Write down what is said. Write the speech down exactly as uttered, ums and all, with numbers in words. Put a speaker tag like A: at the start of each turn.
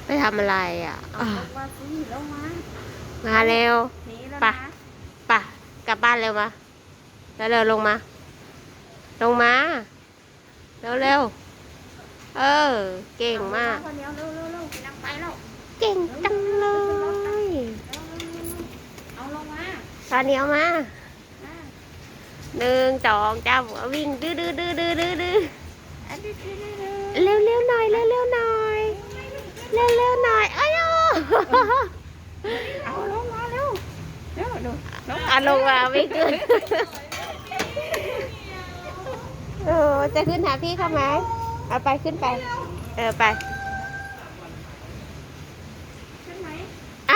A: ไปทำอะไรอ่ะอ่ะ
B: มาสิแล้วมา
A: มาเร็ว
B: หนีแล้ว
A: ไป
B: นะ
A: ไปกลับบ้านเร็วมาแล้วเร็วลงมา ลงมา เร็วเร็วเออ เก่งมาก
B: เร็วเร็วเร็วเร็วไปนั่งไปแล้ว
A: เก่งจังเลย
B: เอาลงมา
A: ตอนนี้เอามา
B: มา
A: หนึ่งสองจ้าวิ่งดื้อดื้อดื้อดื้อดื้อดื้อ
B: อันนี้เร็ว
A: เร็วเร็วหน่อยเร็วเร็วหน่อยเร็วเร็วหน่อยอ้ย
B: เอาลงมาเร็วเร็วดูลง
A: อ่ะลงมาไม่ขึ้นเออจะขึ้นหาพี่เขาไหมเอาไปขึ้นไป เออไป
B: ขึ้นไหม
A: เอา